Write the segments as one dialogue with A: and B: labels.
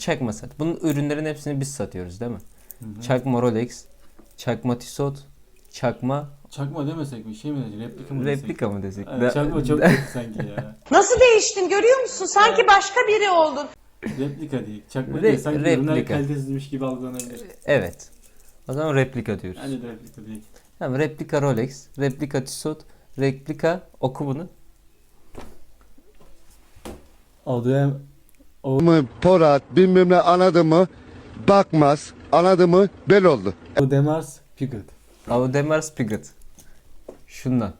A: Çakma sat. Bunun ürünlerin hepsini biz satıyoruz değil mi?
B: Hı-hı.
A: Çakma Rolex, çakma Tissot, çakma
B: Çakma demesek mi? Şey mi desek? Replika mı desek?
A: replika mı desek?
B: Evet, çakma çok kötü sanki ya.
C: Nasıl değiştin görüyor musun? Sanki başka biri oldun.
B: Replika değil. Çakma değil. Sanki ürünler
A: replika.
B: kalitesizmiş gibi algılanabilir.
A: Evet. O zaman replika diyoruz.
B: Bence de replika değil.
A: Tamam, replika Rolex, replika Tissot, replika oku bunu.
B: Adı
D: mı Porat bilmem ne anladı mı bakmaz anladı mı bel oldu.
B: Audemars Piguet.
A: Audemars Piguet. Şundan.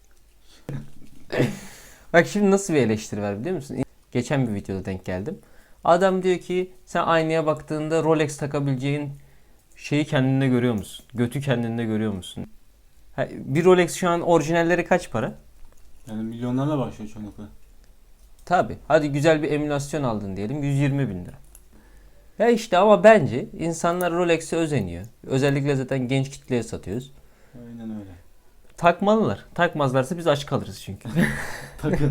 A: Bak şimdi nasıl bir eleştiri var biliyor musun? Geçen bir videoda denk geldim. Adam diyor ki sen aynaya baktığında Rolex takabileceğin şeyi kendinde görüyor musun? Götü kendinde görüyor musun? Bir Rolex şu an orijinalleri kaç para?
B: Yani milyonlarla başlıyor çoğunlukla.
A: Tabi. Hadi güzel bir emülasyon aldın diyelim 120 bin lira. Ya işte ama bence insanlar Rolex'e özeniyor. Özellikle zaten genç kitleye satıyoruz.
B: Aynen öyle.
A: Takmalılar. Takmazlarsa biz aç kalırız çünkü.
B: Takın.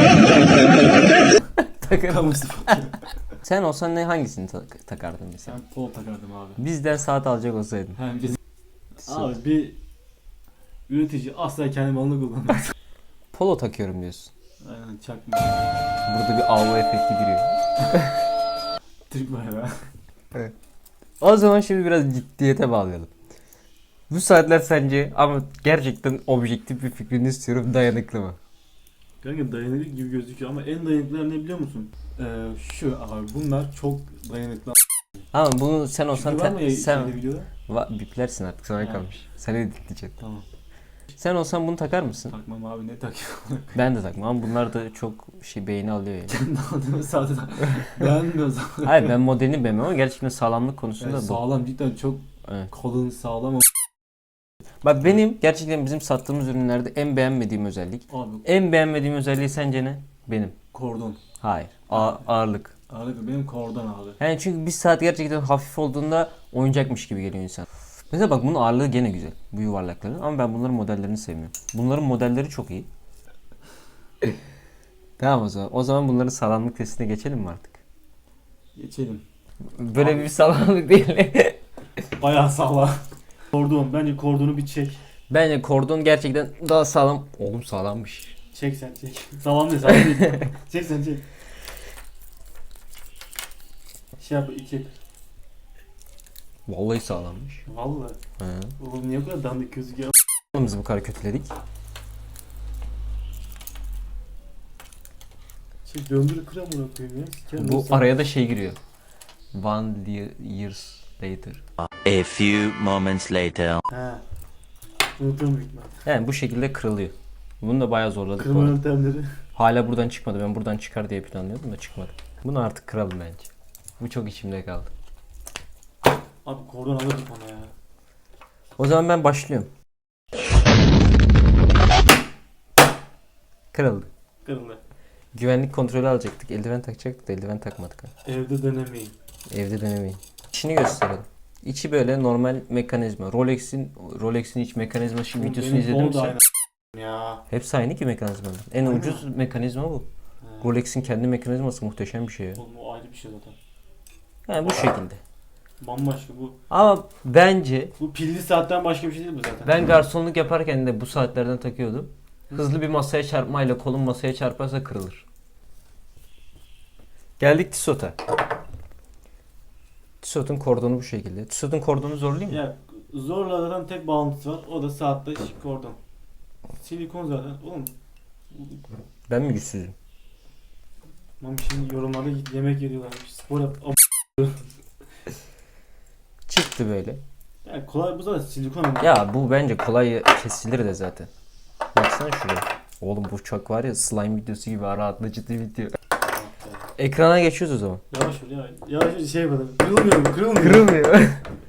A: Takın.
B: Kamu spotu.
A: Sen olsan hangisini takardın mesela?
B: Ben polo takardım abi.
A: Bizden saat alacak olsaydın.
B: Hem biz... Abi bir üretici asla kendi malını kullanmaz.
A: Polo takıyorum diyorsun.
B: Aynen çakma.
A: Burada bir AV efekti giriyor.
B: Türk bayrağı.
A: O zaman şimdi biraz ciddiyete bağlayalım. Bu saatler sence ama gerçekten objektif bir fikrini istiyorum, dayanıklı mı?
B: Kanka dayanıklı gibi gözüküyor ama en dayanıklılar ne biliyor musun? Şu abi bunlar çok dayanıklı.
A: Ama bunu sen olsan
B: Çünkü var mı
A: sen
B: şeyde videoda?
A: biplersin artık sana kalmış. Sen editleyeceksin.
B: Tamam.
A: Sen olsan bunu takar mısın?
B: Takmam abi ne takıyorum?
A: Ben de takmam ama bunlar da çok beğeni alıyor yani.
B: Kendi aldığımı zaten beğenmiyor zaten.
A: Hayır, ben modelini beğenmem ama gerçekten sağlamlık konusunda
B: Yani
A: bu.
B: sağlam cidden çok
A: Evet.
B: kalın sağlam.
A: Bak benim gerçekten bizim sattığımız ürünlerde en beğenmediğim özellik.
B: Abi
A: En beğenmediğim özelliği sence ne? Benim.
B: kordon.
A: Hayır. Ağırlık.
B: Ağırlık benim kordon abi.
A: Yani çünkü bir saat gerçekten hafif olduğunda oyuncakmış gibi geliyor insan. Mesela bak bunun ağırlığı gene güzel. Bu yuvarlakların. Ama ben bunların modellerini sevmiyorum. Bunların modelleri çok iyi. Tamam o zaman. O zaman bunların sağlamlık testine geçelim mi artık?
B: Geçelim.
A: Böyle
B: Abi.
A: bir sağlamlık değil.
B: Bayağı sağlam. Kordon. Bence kordonu bir çek.
A: Bence kordon gerçekten daha sağlam. Oğlum sağlammış.
B: Çek sen çek. Sağlam değil sağlam değil. Çek sen çek. Şey yap iki.
A: Vallahi sağlammış.
B: Vallahi.
A: He.
B: Oğlum niye bu kadar dandik gözüküyor?
A: Bizi bu kadar kötüledik.
B: Şey döndür kıra mı koyayım ya? Sikerim
A: Bu
B: olsa.
A: araya da şey giriyor. Years later.
E: A few moments later.
B: He. Unuturum büyük ihtimal.
A: Yani bu şekilde kırılıyor. Bunu da bayağı zorladık bu
B: Kırma
A: arada.
B: yöntemleri.
A: Hala buradan çıkmadı. Ben buradan çıkar diye planlıyordum da çıkmadı. Bunu artık kıralım bence. Bu çok içimde kaldı.
B: Abi kordon alırdık ona ya.
A: O zaman ben başlıyorum. Kırıldı.
B: Kırıldı.
A: Güvenlik kontrolü alacaktık. Eldiven takacaktık da eldiven takmadık.
B: Evde denemeyin.
A: Evde denemeyin. İçini gösterelim. İçi böyle normal mekanizma. Rolex'in iç mekanizma videosunu
B: Benim
A: izledin mi
B: kol da
A: sen?
B: aynı. Ya.
A: Hepsi aynı ki mekanizmanın. En
B: Aynen.
A: ucuz mekanizma bu.
B: He.
A: Rolex'in kendi mekanizması muhteşem bir şey ya.
B: Oğlum o ayrı bir şey zaten.
A: Yani bu şekilde.
B: Bambaşka bu.
A: Ama bence
B: Bu pilli saatten başka bir şey değil bu zaten.
A: ben garsonluk yaparken de bu saatlerden takıyordum. Hızlı bir masaya çarpmayla kolum masaya çarparsa kırılır. Geldik Tissot'a. Tissot'un kordonu bu şekilde. Tissot'un kordonu zorlayayım mı?
B: Ya zorla zaten tek bağlantısı var. O da saatte kordon. Silikon zaten. Oğlum.
A: Ben mi güçsüzüm?
B: Mami şimdi yorumlarda yemek yediyorlarmış. Spor yap.
A: Çıktı böyle.
B: Ya kolay bu zaten silikon ama.
A: Ya bu bence kolay kesilir de zaten. Baksana şuraya. Oğlum bu çok var ya slime videosu gibi rahatlatıcı video. Ekrana geçiyoruz o zaman.
B: Yavaş ol ya. Yavaş ol şey yapalım. Kırılmıyor.
A: Kırılmıyor.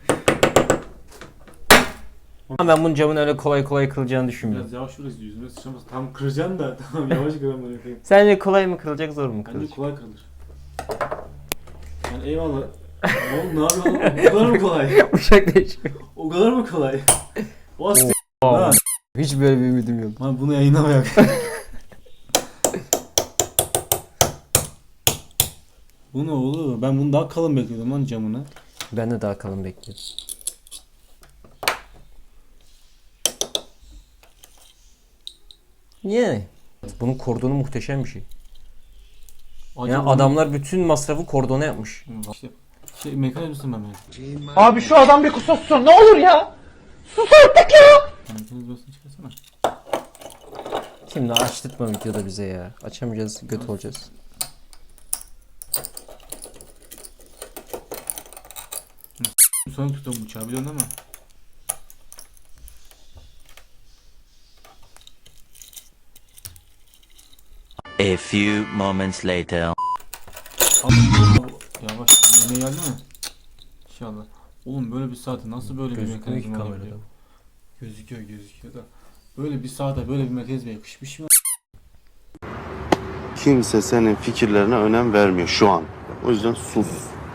A: Ama ben bunun camın öyle kolay kolay kırılacağını düşünmüyorum.
B: Biraz yavaş ol yüzüme sıçramaz. Tam kıracaksın da tamam yavaş kıramıyorum.
A: Sence kolay mı kırılacak zor mu
B: Bence
A: kırılacak?
B: kolay kırılır. Yani eyvallah. Oğlum ne yapıyorsun oğlum? O kadar mı kolay?
A: Uşak değişiyor.
B: O kadar mı kolay? O as
A: Aa, hiç böyle bir ümidim yok.
B: Lan bunu yayınlamayak. Bu ne oğlum? Ben bunu daha kalın bekliyordum lan camını.
A: Ben de daha kalın bekliyorum. Yani. Bunun kordonu muhteşem bir şey. Yani
B: Acaba-
A: adamlar bütün masrafı kordona yapmış.
B: İşte mekanizmasın ben yani.
F: Abi şu adam bir kusursun ne olur ya. Sus artık ya.
B: Mekanizmasını çıkarsana.
A: Şimdi açtırtma videoda bize ya. Açamayacağız, göt olacağız.
B: Sonra tutalım bıçağı biliyorsun ama.
E: A few moments later.
B: Yavaş yemeğe geldi mi? İnşallah. Oğlum böyle bir saate nasıl böyle bir
A: Gözükmüyor ki
B: mekanizma
A: kamerada.
B: olabiliyor? Gözüküyor da. Böyle bir saate böyle bir mekanizma yakışmış mı?
G: Kimse senin fikirlerine önem vermiyor şu an. O yüzden sus.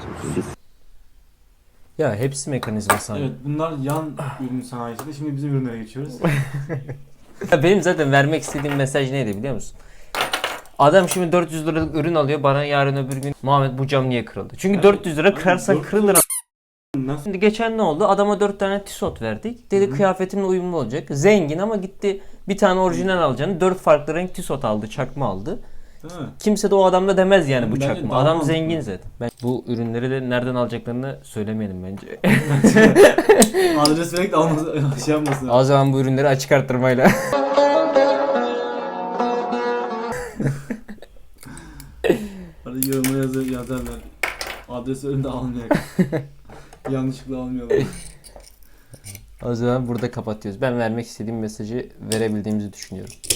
A: Ya hepsi mekanizma sanırım.
B: Evet bunlar yan ürün sanayisinde. Şimdi bizim ürünlere geçiyoruz.
A: Ya benim zaten vermek istediğim mesaj neydi biliyor musun? Adam şimdi 400 liralık ürün alıyor, bana yarın öbür gün Muhammed bu cam niye kırıldı? Çünkü
B: Evet.
A: 400 lira kırarsan
B: 400
A: kırılır.
B: Nasıl?
A: Şimdi geçen ne oldu? Adama 4 tane tisot verdik. Dedi kıyafetimle uyumlu olacak. Zengin ama gitti bir tane orijinal alacağını 4 farklı renk tisot aldı, çakma aldı.
B: Değil mi?
A: Kimse de o adamda demez yani bu
B: Bence
A: çakma.
B: daha
A: Adam
B: mantıklı.
A: zengin zaten. Ben bu ürünleri de nereden alacaklarını söylemeyelim bence.
B: Adres vererek de almasın, şey yapmasın.
A: O zaman bu ürünleri açık arttırmayla.
B: Hadi yoruma yazarlar. Adres önünde almayak. Yanlışlıkla almıyorlar.
A: O zaman burada kapatıyoruz. Ben vermek istediğim mesajı verebildiğimizi düşünüyorum.